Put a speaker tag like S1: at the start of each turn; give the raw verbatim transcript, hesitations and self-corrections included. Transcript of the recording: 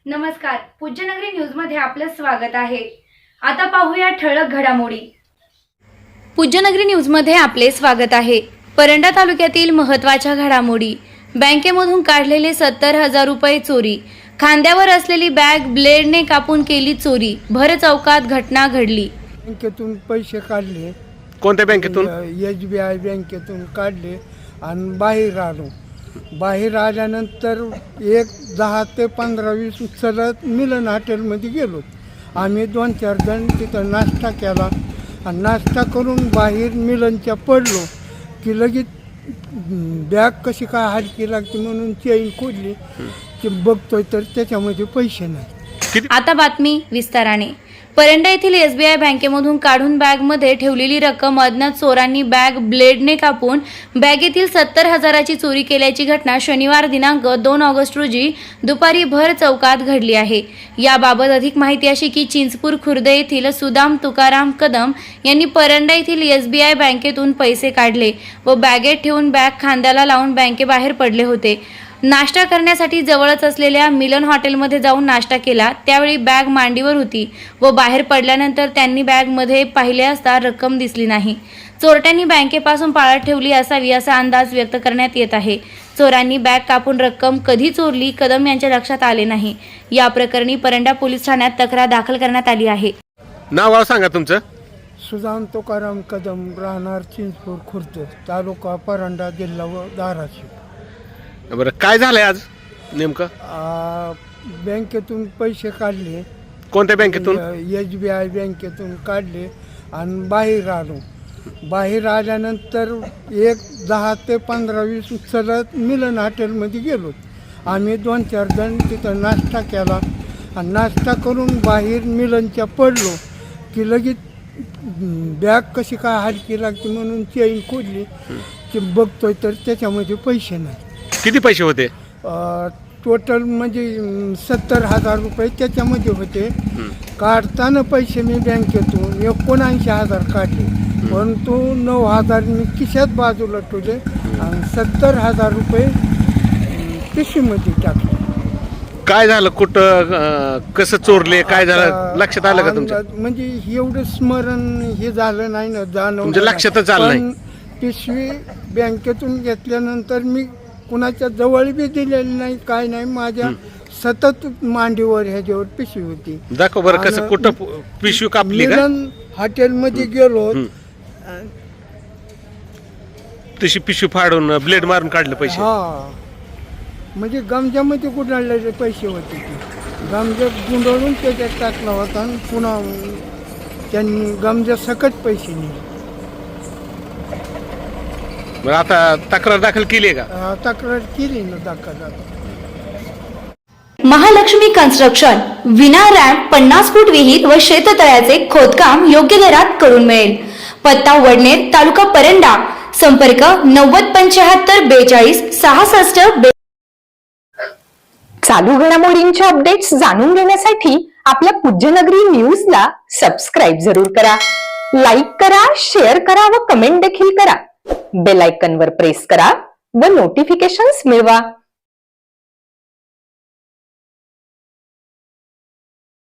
S1: नमस्कार, पूज्यनगरी न्यूज मध्ये आपलं स्वागत आहे। आता पाहूया ठळक घडामोडी। पूज्यनगरी न्यूज मध्ये आपले स्वागत आहे। परंडा तालुक्यातील महत्त्वाच्या घडामोडी। बँकेमधून काढलेले सत्तर हजार रुपये चोरी। खांद्यावर असलेली बॅग ब्लेडने कापून केली चोरी। भर चौकात घटना घडली।
S2: बँकेतून पैसे काढले।
S3: कोणत्या बँकेतून?
S2: एस बी आय बँकेतून काढले आणि बाहेर आलो। बाहेर आल्यानंतर एक दहा ते पंधरा वीस चलत मिलन हॉटेलमध्ये गेलो। आम्ही दोन चार जण तिथं नाश्ता केला आणि नाश्ता करून बाहेर मिलनच्या पडलो की लगेच बॅग कशी काय हलकी लागते म्हणून चेन खोलली की बघतोय तर त्याच्यामध्ये पैसे नाही।
S1: आता बातमी विस्ताराने। परंडा येथील एस बी आय बँकेमधून काढून बॅगमध्ये ठेवलेली रक्कम अज्ञात चोरांनी बॅग ब्लेडने कापून बॅगेतील सत्तर हजाराची चोरी केल्याची घटना शनिवार दिनांक दोन ऑगस्ट रोजी दुपारी भर चौकात घडली आहे। याबाबत अधिक माहिती अशी की चिंचपूर खुर्द येथील सुदाम तुकाराम कदम यांनी परंडा येथील एस बी आय बँकेतून पैसे काढले व बॅगेत ठेवून बॅग खांद्याला लावून बँकेबाहेर पडले होते। नाश्ता करण्यासाठी जवळच असलेल्या मिलन हॉटेलमध्ये जाऊन नाश्ता केला। त्यावेळी बॅग मांडीवर होती व बाहेर पडल्यानंतर त्यांनी बॅगमध्ये पाहिले असता रक्कम दिसली नाही। चोरट्यांनी बँकेपासून पाळत ठेवली असावी असा अंदाज व्यक्त करण्यात येत आहे। चोरांनी बॅग कापून रक्कम कधी चोरली कदम यांच्या लक्षात आले नाही। या प्रकरणी परंडा पोलीस ठाण्यात तक्रार दाखल करण्यात आली आहे।
S3: नाव सांगा तुमचं?
S2: सुदाम तुकाराम कदम, राहणार चिंचपूर खुर्द, तालुका परंडा, जिल्हा व धाराशिव।
S3: बरं, काय झालंय आज नेमकं?
S2: आ, बँकेतून पैसे काढले।
S3: कोणत्या बँकेतून?
S2: एस बी आय बँकेतून काढले आणि बाहेर आलो। बाहेर आल्यानंतर एक दहा ते पंधरा वीस चलत मिलन हॉटेलमध्ये गेलो। आम्ही दोन चार जण तिथं नाश्ता केला आणि नाश्ता करून बाहेर मिलनच्या पडलो की लगेच बॅग कशी काय हलकी लागते म्हणून चेन खोलली की बघतोय तर त्याच्यामध्ये पैसे नाही।
S3: किती पैसे होते?
S2: टोटल म्हणजे सत्तर हजार रुपये त्याच्यामध्ये होते। काढताना पैसे मी बँकेतून एकोणऐंशी हजार काढले, परंतु नऊ हजार मी खिशात बाजूला ठेवले आणि सत्तर हजार रुपये पिशवीमध्ये टाकले।
S3: काय झालं? कुठं कसं चोरले? काय झालं लक्षात आलं का तुमच्या?
S2: म्हणजे एवढं स्मरण हे झालं नाही ना, जाणवलं
S3: तुमच्या लक्षातच आलं नाही?
S2: पिशवी बँकेतून घेतल्यानंतर मी कुणाच्या जवळ बी दिलेली नाही, काय नाही। माझ्या सतत मांडीवर ह्याच्यावर पिशवी होती।
S3: दाखव बरं कसं कुठं पिशवी कापली का?
S2: मिलन हॉटेलमध्ये गेलो,
S3: तशी पिशवी फाडून ब्लेड मारून काढले पैसे?
S2: हा, म्हणजे गमजामध्ये गुंडाळलेले पैसे होते ते। गमजात गुंडाळून त्याच्यात टाकला होता आणि पुन्हा त्यांनी गमजा सकट पैसे नेले।
S3: बरं, आता तक्रार दाखल केली आहे का?
S2: तक्रार केली ना दाखल।
S1: महालक्ष्मी कन्स्ट्रक्शन विना रॅम्प पन्नास फूट विहीर व शेततळ्याचे खोदकाम योग्य दरात करून मिळेल। पत्ता वडनेर, तालुका परंडा। संपर्क नव्वद पंच्याहत्तर बेचाळीस सहासष्ट।
S4: चालू घडामोडींच्या अपडेट्स जाणून घेण्यासाठी आपल्या पूज्यनगरी न्यूजला सबस्क्राईब जरूर करा, लाईक करा, शेअर करा व कमेंट देखील करा। बेल आयकॉनवर प्रेस करा व नोटिफिकेशन्स मिळवा।